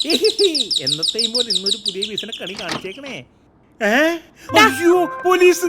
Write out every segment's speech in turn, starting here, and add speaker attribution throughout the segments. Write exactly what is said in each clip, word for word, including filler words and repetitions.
Speaker 1: എന്നത്തെയും പോലെ ഇന്നൊരു പുതിയ വീസിനെ കണി കാണിച്ചേക്കണേ. അയ്യോ പോലീസ്!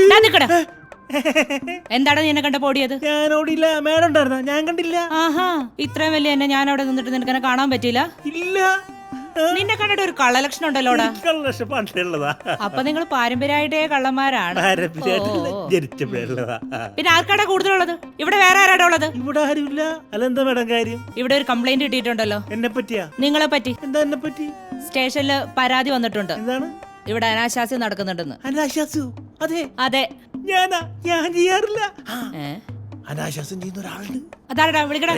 Speaker 2: എന്താണ് നീ എന്നെ കണ്ട പോടിയത്?
Speaker 1: ഞാനോടില്ല, മേഡം ഉണ്ടായിരുന്ന ഞാൻ കണ്ടില്ല.
Speaker 2: ആഹാ, ഇത്രയും വലിയ എന്നെ ഞാൻ അവിടെ നിന്നിട്ട് നിനക്ക് എന്നെ കാണാൻ പറ്റില്ല?
Speaker 1: ഇല്ല.
Speaker 2: നിന്നെ കണ്ടിട്ട് ഒരു കള്ളലക്ഷണം ഉണ്ടല്ലോടാ.
Speaker 1: കള്ളലക്ഷണം പണ്ടുള്ളതാ.
Speaker 2: അപ്പൊ നിങ്ങൾ പാരമ്പര്യമായിട്ടേ കള്ളന്മാരാണ്.
Speaker 1: ജനിച്ചപ്പോഴുള്ളതാ.
Speaker 2: പിന്നെ ആർക്കാടാ കൂടുതലുള്ളത്? ഇവിടെ വേറെ ആരാടാ ഉള്ളത്?
Speaker 1: ഇവിടെ ആരുമില്ല. അല്ല എന്താ മേഡം കാര്യം?
Speaker 2: ഇവിടെ ഒരു കംപ്ലൈന്റ് കിട്ടിയിട്ടുണ്ടല്ലോ.
Speaker 1: എന്നെ പറ്റിയാ?
Speaker 2: നിങ്ങളെ പറ്റി.
Speaker 1: എന്താ എന്നെ പറ്റി?
Speaker 2: സ്റ്റേഷനില് പരാതി വന്നിട്ടുണ്ട്.
Speaker 1: എന്താണ്?
Speaker 2: ഇവിടെ അനാശാസ്യം നടക്കുന്നുണ്ടെന്ന്.
Speaker 1: അനാശാസ്യം? അതെ
Speaker 2: അതെ.
Speaker 1: ഞാനാ ഞാൻ ചെയ്യാറില്ല. അനാശാസ്യം ചെയ്യുന്ന ഒരാളുണ്ട്.
Speaker 2: അതാരടാ? വിളിക്കടാ.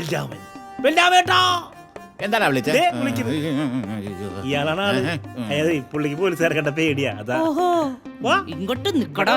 Speaker 3: എന്താ വിളിച്ചത്?
Speaker 1: ഇയാളാണ് ആള്. അതായത് പുള്ളിക്ക് പോലീസുകാരെ കണ്ട പേടിയാ. അതാ.
Speaker 2: ഇങ്ങോട്ട് നിക്കടാ.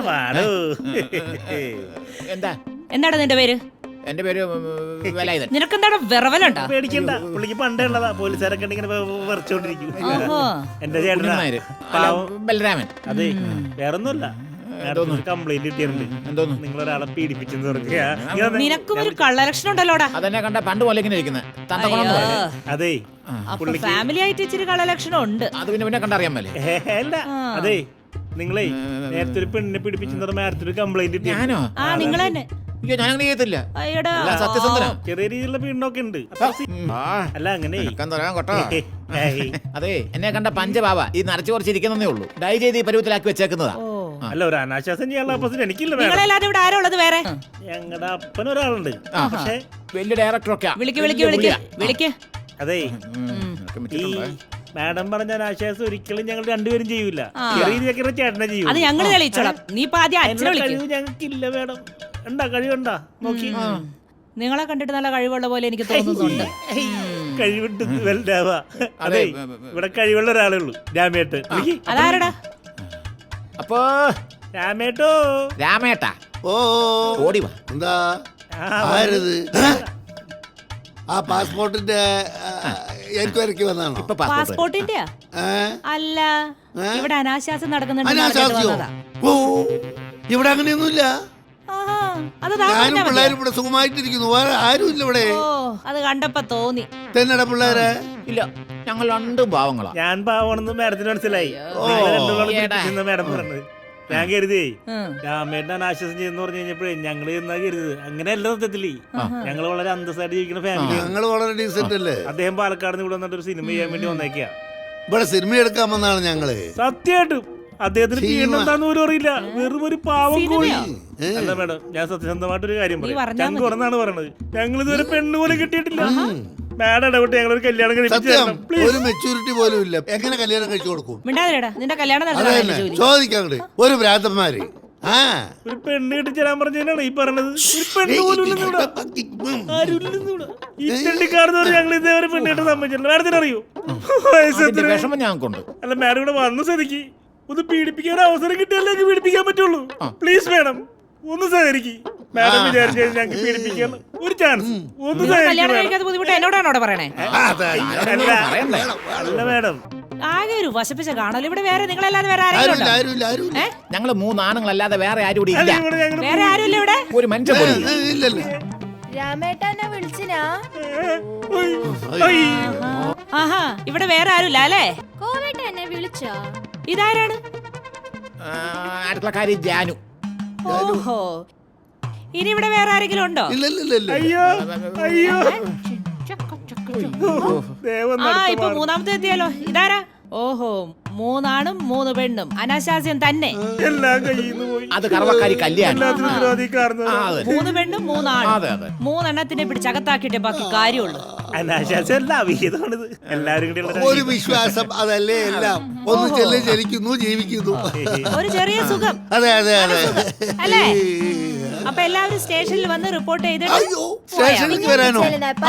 Speaker 3: എന്താ
Speaker 2: എന്താണ് നിന്റെ പേര്?
Speaker 3: എന്റെ പേര് വേലായുധൻ.
Speaker 2: നിനക്കെന്താണ് വിറവലുണ്ടാ?
Speaker 1: പേടിക്കണ്ട, പുള്ളിക്ക് പണ്ടേ ഉള്ളതാ. പോലീസുകാരൊക്കെ ഇങ്ങനെ വിറച്ചോണ്ടിരിക്കും. എന്റെ ചേട്ടനാ
Speaker 3: ബലരാമൻ.
Speaker 1: അതെ, വേറൊന്നുമല്ല. കംപ്ലൈന്റ് കിട്ടിയിട്ടുണ്ട്. നിങ്ങളൊരാളെ പീഡിപ്പിച്ചെന്ന് പറഞ്ഞാ.
Speaker 2: നിനക്കും ഒരു കള്ളലക്ഷണം ഉണ്ടല്ലോടാ.
Speaker 3: അതെന്നെ കണ്ട പണ്ട് പോലെ ഇങ്ങനെ ഇരിക്കുന്നത്.
Speaker 1: അതെ,
Speaker 2: ഫാമിലി ആയിട്ട് ഇച്ചിരി കള്ളലക്ഷണം ഉണ്ട്.
Speaker 3: അത് പിന്നെ പിന്നെ കണ്ടറിയാൻ മേലെ.
Speaker 1: അല്ല അതെ, നിങ്ങളെ നേരത്തെ ഒരു പെണ്ണിനെ പീഡിപ്പിച്ചെന്ന് നേരത്തെ ഒരു കംപ്ലൈന്റ് കിട്ടി.
Speaker 3: ഞാനോ?
Speaker 2: ആ, നിങ്ങൾ തന്നെ.
Speaker 3: അയ്യോ, ഞാൻ അങ്ങനെ ചെയ്യത്തില്ല.
Speaker 1: സത്യസന്ധനം. ചെറിയ രീതിയിലുള്ള പീഡനമൊക്കെ ഉണ്ട്. അല്ല അങ്ങനെ
Speaker 3: കേട്ടോ. അതെ, എന്നെ കണ്ട പഞ്ചബാബ ഈ നരച്ചു കുറച്ചിരിക്കുന്നേ ഉള്ളൂ. ഡൈ ചെയ്ത് ഈ പരുവത്തിലാക്കി വെച്ചേക്കുന്നതാ.
Speaker 1: അല്ല, ഒരു അനാശാസം ചെയ്യാനുള്ള അവസരം എനിക്കില്ല.
Speaker 2: ഇവിടെ ആരാ ഉള്ളത് വേറെ?
Speaker 1: ഞങ്ങളുടെ അപ്പൻ ഒരാളുണ്ട്. പക്ഷേ
Speaker 3: വലിയ ഡയറക്ടറൊക്കെ.
Speaker 2: വിളിക്ക് വിളിക്ക് വിളിക്ക് വിളിക്ക്.
Speaker 1: അതെ, ഈ മാഡം പറഞ്ഞ അനാശാസം ഒരിക്കലും ഞങ്ങൾ രണ്ടുപേരും ചെയ്യൂല. ചെറിയ രീതിയൊക്കെ ചേട്ടനെ ചെയ്യും.
Speaker 2: അത് ഞങ്ങൾ തെളിയിച്ചോളാം. നീ
Speaker 1: കഴിവ് ഞങ്ങൾക്കില്ല മേഡം. ഉണ്ടാ കഴിവുണ്ടാ? നോക്കി.
Speaker 2: നിങ്ങളെ കണ്ടിട്ട് നല്ല കഴിവുള്ള പോലെ എനിക്ക് തോന്നുന്നുണ്ട്.
Speaker 1: കഴിവിട്ട് വലുതാവാ. അതെ, ഇവിടെ കഴിവുള്ള ഒരാളേ ഉള്ളൂ. രാമേട്ട്.
Speaker 2: അതാരടാ?
Speaker 3: അപ്പോ
Speaker 1: രാമേട്ടോ.
Speaker 3: രാമേട്ടാ.
Speaker 4: ഓ
Speaker 3: ഓടി വാ.
Speaker 4: എന്താ ആരത്? ആ പാസ്പോർട്ടിന്റെ എൻക്വയറിക്ക് വന്നാണോ?
Speaker 2: പാസ്പോർട്ടിന്റെ അല്ല, ഇവിടെ അനാശാസ്യം നടക്കുന്നുണ്ട്.
Speaker 4: അനാശാസ്യോ? ഓ, ഇവിടെ അങ്ങനെയൊന്നുമില്ല. ഞാനും പിള്ളേരും ഇവിടെ സുഖമായിട്ടിരിക്കുന്നു. വേറെ ആരും ഇല്ല ഇവിടെ.
Speaker 2: അത് കണ്ടപ്പോ തോന്നി.
Speaker 4: തന്നെടാ പിള്ളേരെ?
Speaker 3: ഇല്ല, ഞങ്ങൾ രണ്ടും പാവങ്ങളാ.
Speaker 1: ഞാൻ പാവണെന്ന് മാഡത്തിന് മനസ്സിലായി. മാഡം പറഞ്ഞത് ഞാൻ കരുതി രാമേട്ടൻ അനാശാസം ചെയ്യുന്ന പറഞ്ഞു കഴിഞ്ഞപ്പോഴേ ഞങ്ങള് എന്നാ കരുത്. അങ്ങനെയല്ല സത്യത്തില്. ഞങ്ങള് വളരെ അന്തസ്സായിട്ട് ജീവിക്കുന്ന ഫാമിലി.
Speaker 4: ഞങ്ങള് വളരെ ഡീസന്റ് അല്ലേ?
Speaker 1: അദ്ദേഹം പാലക്കാട് നിന്ന് ഇവിടെ വന്നിട്ട് ഒരു സിനിമ ചെയ്യാൻ വേണ്ടി വന്നേക്കാ.
Speaker 4: ഇവിടെ സിനിമ എടുക്കാൻ വന്നാണ് ഞങ്ങള്.
Speaker 1: സത്യമായിട്ടും അദ്ദേഹത്തിന് എന്താന്ന് പോലും അറിയില്ല. വെറും ഒരു പാവം കോഴി. അല്ല മേഡം, ഞാൻ സത്യസന്ധമായിട്ടൊരു കാര്യം പറയാം. ഞങ്ങൾ പറഞ്ഞാണ് പറയണത്. ഞങ്ങൾ ഇതുവരെ പെണ്ണ് പോലും കിട്ടിയിട്ടില്ല. മാഡം ഇടപെട്ട് ഞങ്ങളൊരു കല്യാണം കഴിപ്പിച്ചു.
Speaker 4: ഒരു മെച്ചൂരിറ്റി പോലും ഇല്ല. എങ്ങനെ കല്യാണം കഴിച്ചു കൊടുക്കും?
Speaker 2: നിന്റെ കല്യാണം
Speaker 4: ചോദിക്കാൻ ഒരു ഭ്രാന്തന്മാര്. ആ,
Speaker 1: ഒരു പെണ്ണ് കെട്ടിച്ചേരാൻ പറഞ്ഞാണ് ഈ പറഞ്ഞത്. ഒരു പെണ്ണ് പോലും ഈ തെണ്ടിക്കാർന്ന് ഞങ്ങൾ ഇതേവരെ പെണ്ണ് കെട്ടാൻ സമ്മതിച്ചില്ല. മാഡത്തിന് അറിയോ?
Speaker 3: വിഷമം ഞങ്ങൾക്കുണ്ട്.
Speaker 1: അല്ല, മാഡം ഇവിടെ വന്ന് സ്ഥിതിക്ക് ഒന്ന് പീഡിപ്പിക്കാൻ അവസരം കിട്ടിയാലേ പീഡിപ്പിക്കാൻ പറ്റുള്ളൂ. പ്ലീസ് മാഡം, ഒന്ന് സഹകരിക്കും. മാഡം വിചാരിച്ചു ഞങ്ങൾക്ക് പീഡിപ്പിക്കാൻ ഒരു ചാൻസ്. ഒന്ന്
Speaker 2: എന്നോടാണോ പറയണേ?
Speaker 1: അല്ല മാഡം,
Speaker 2: ആകെ ഒരു വശപ്പിച്ച കാണല്ലോ ഇവിടെ. വേറെ നിങ്ങളല്ലാതെ വേറെ ആരും?
Speaker 3: ഞങ്ങള് മൂന്നാണുങ്ങളല്ലാതെ വേറെ ആരും ഇവിടെ ഇല്ല.
Speaker 2: വേറെ ആരുമില്ല ഇവിടെ.
Speaker 3: ഒരു മനുഷ്യൻ പോലും
Speaker 4: ഇല്ലല്ലോ.
Speaker 5: രാമേട്ടനെ വിളിച്ചിനാ?
Speaker 2: ആഹാ, ഇവിടെ വേറെ ആരുമില്ല അല്ലേ?
Speaker 5: കോവേട്ട എന്നെ വിളിച്ചോ?
Speaker 2: ഇതാരാണ്?
Speaker 3: അടുക്കളക്കാരി ജാനു.
Speaker 2: ഓഹോ, ഇനി ഇവിടെ വേറെ ആരെങ്കിലും ഉണ്ടോ?
Speaker 1: അയ്യോ അയ്യോ,
Speaker 2: ആ ഇപ്പൊ മൂന്നാമത്തെ എത്തിയാലോ. ഇതാരാ? ഓഹോ, മൂന്നാണും മൂന്ന് പെണ്ണും. അനാശാസ്യം തന്നെ.
Speaker 1: എല്ലാം കയ്യിന്ന് പോയി.
Speaker 3: അത് കറവക്കാരി കല്യാണം.
Speaker 2: മൂന്ന് പെണ്ണും മൂന്നാണ്. മൂന്നെണ്ണത്തിനെ പിടിച്ചകത്താക്കിയിട്ടേ ബാക്കി കാര്യമുള്ളൂ.
Speaker 4: ഒരു വിശ്വാസം, അതല്ലേ എല്ലാം. ഒന്ന് ചെല്ല് ജനിക്കുന്നു, ജീവിക്കുന്നു.
Speaker 2: ഒരു ചെറിയ സുഖം.
Speaker 4: അതെ അതെ അതെ
Speaker 2: അല്ലേ? അപ്പൊ എല്ലാവരും സ്റ്റേഷനിൽ വന്ന് റിപ്പോർട്ട് ചെയ്തിട്ട്
Speaker 4: സ്റ്റേഷനിലേക്ക് വരാനോ?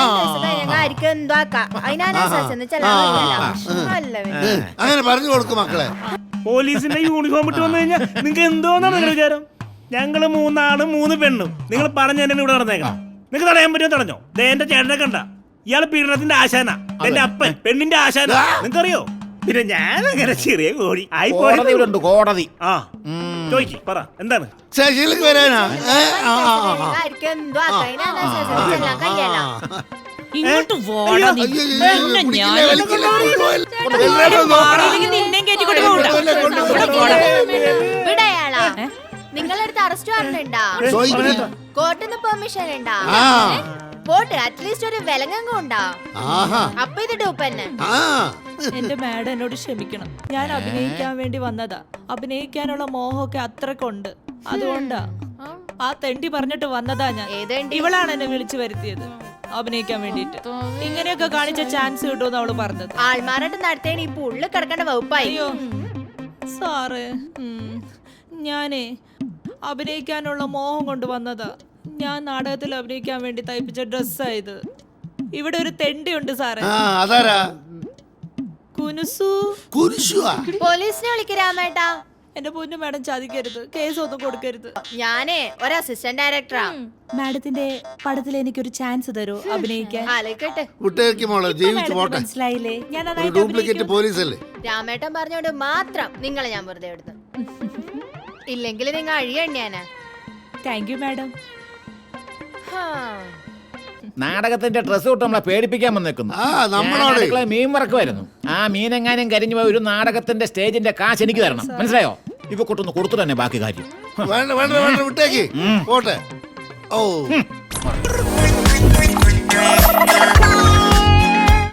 Speaker 4: അങ്ങനെ പറഞ്ഞു കൊടുക്കും മക്കളെ.
Speaker 1: പോലീസിന്റെ യൂണിഫോം ഇട്ട് വന്നു കഴിഞ്ഞാൽ നിങ്ങൾക്ക് എന്തോന്നാണ് നിങ്ങളുടെ വിചാരം? ഞങ്ങള് മൂന്നാണ് മൂന്ന് പെണ്ണും. നിങ്ങൾ പറഞ്ഞ തന്നെ ഇവിടെ നടന്നേക്കണം. നിങ്ങൾക്ക് തടയാൻ പറ്റുമോ? തടഞ്ഞോ? എന്റെ ചേട്ടനെ കണ്ട ഇയാള് പീഡനത്തിന്റെ ആശാന. എന്റെ അപ്പൻ പെണ്ണിന്റെ ആശാന. നിങ്ങൾക്കറിയോ? പിന്നെ ഞാൻ അങ്ങനെ ചെറിയ കോഴി ആയി
Speaker 3: പോയിട്ടുണ്ട്. കോടതി.
Speaker 1: ആ ചോദിക്ക്, പറ എന്താണ്?
Speaker 4: സ്റ്റേഷനിലേക്ക് വരാനാ?
Speaker 2: ഇങ്ങോട്ട് വാടാ നീ.
Speaker 4: അയ്യോ, അയ്യോ, അയ്യോ,
Speaker 2: നിന്നെ
Speaker 4: പിടിക്കില്ല,
Speaker 2: ഞാൻ-
Speaker 4: വലിക്കില്ല, കൊണ്ടുപോകല്ല.
Speaker 2: ഇവിടെ മാറിയില്ലെങ്കിൽ നിന്നെയും കയറ്റിക്കൊണ്ട് പോകണ്ട.
Speaker 4: കൊണ്ടുപോകല്ല, കൊണ്ടുപോകല്ല.
Speaker 2: ഇവിടെ വാടാ.
Speaker 5: ഇവിടെ അയാളാ നിങ്ങളടുത്ത് അറസ്റ്റ് വാറണ്ട് ഉണ്ടാ
Speaker 4: ചോദിക്കില്ല.
Speaker 5: കോർട്ടിൽ നിന്ന് പെർമിഷൻ ഉണ്ടാ
Speaker 4: ആ
Speaker 5: പോട്ട് അറ്റ്ലീസ്റ്റ് ഒരു വിലങ്ങും ഉണ്ടാ
Speaker 4: ആഹാ
Speaker 5: അപ്പൊ ഇത് ഡൂപ്പന്നെ
Speaker 4: ആ
Speaker 2: എന്റെ മാഡം എന്നോട് ക്ഷമിക്കണം. ഞാൻ അഭിനയിക്കാൻ വേണ്ടി വന്നതാ. അഭിനയിക്കാനുള്ള മോഹമൊക്കെ അത്രക്കുണ്ട്. അതുകൊണ്ടാ ആ തെണ്ടി പറഞ്ഞിട്ട് വന്നതാ ഞാൻ.
Speaker 5: ഏതേണ്ടി?
Speaker 2: ഇവളാണ് എന്നെ വിളിച്ചു വരുത്തിയത് അഭിനയിക്കാൻ വേണ്ടിട്ട്. ഇങ്ങനെയൊക്കെ കാണിച്ച ചാൻസ് കിട്ടുമെന്ന് അവള് പറഞ്ഞത്.
Speaker 5: ആൾമാരായിട്ട് നടത്തേണ ഇപ്പൊ ഉള്ളിൽ കിടക്കേണ്ട വകുപ്പായി
Speaker 2: അയ്യോ സാറ്, ഉം. ഞാനേ അഭിനയിക്കാനുള്ള മോഹം കൊണ്ട് വന്നതാ. ഞാൻ നാടകത്തിൽ അഭിനയിക്കാൻ വേണ്ടി തയ്പ്പിച്ച ഡ്രസ്സായത്. ഇവിടെ ഒരു തെണ്ടിയുണ്ട് സാറേ,
Speaker 4: ആ അതാരാ
Speaker 2: കുനുസു.
Speaker 4: കുരിശുവാ
Speaker 5: പോലീസിനെ വിളിക്ക് രാമേട്ടാ.
Speaker 2: എന്റെ പൊന്നു മാഡം ചതിക്കരുത്, കേസ് ഒന്നും കൊടുക്കരുത്.
Speaker 5: ഞാനേ ഒരു അസിസ്റ്റന്റ് ഡയറക്ടറാ.
Speaker 2: മാഡത്തിന്റെ പടത്തിൽ എനിക്കൊരു ചാൻസ് തരൂ അഭിനയിക്കാൻ.
Speaker 5: ആലോചിക്കട്ടെ.
Speaker 4: വിട്ടേക്ക് മോളെ ജീവിച്ചു
Speaker 2: മാഡത്തിന്
Speaker 4: പോട്ടെ.
Speaker 2: മനസ്സിലായില്ലേ ഞാൻ
Speaker 4: ഒരു
Speaker 2: നന്നായിട്ട്
Speaker 4: ഡ്യൂപ്ലിക്കേറ്റ്
Speaker 2: അഭിനയിക്കും.
Speaker 4: പോലീസല്ലേ.
Speaker 5: രാമേട്ടൻ പറഞ്ഞോണ്ട് മാത്രം നിങ്ങളെ ഞാൻ വെറുതെ എടുത്തു. ഇല്ലെങ്കിൽ നിങ്ങൾ അഴിയണ്യാനാ.
Speaker 2: Thank you madam.
Speaker 3: നാടകത്തിന്റെ ഡ്രസ് തൊട്ട് നമ്മളെ പേടിപ്പിക്കാൻ വന്നേക്കുന്നു.
Speaker 4: ആ നമ്മളോട്
Speaker 3: മീൻ വറക്കുമായിരുന്നു. ആ മീനെങ്ങാനും കരിഞ്ഞു പോയി ഒരു നാടകത്തിന്റെ സ്റ്റേജിന്റെ കാശ് എനിക്ക് തരണം. മനസ്സിലായോ? ഇപ്പൊ കൊട്ടൊന്ന് കൊടുത്തു തന്നെ ബാക്കി കാര്യം.
Speaker 4: വേണ്ട വേണ്ട വേണ്ട വിട്ടേക്ക് പോട്ടെ. ഓ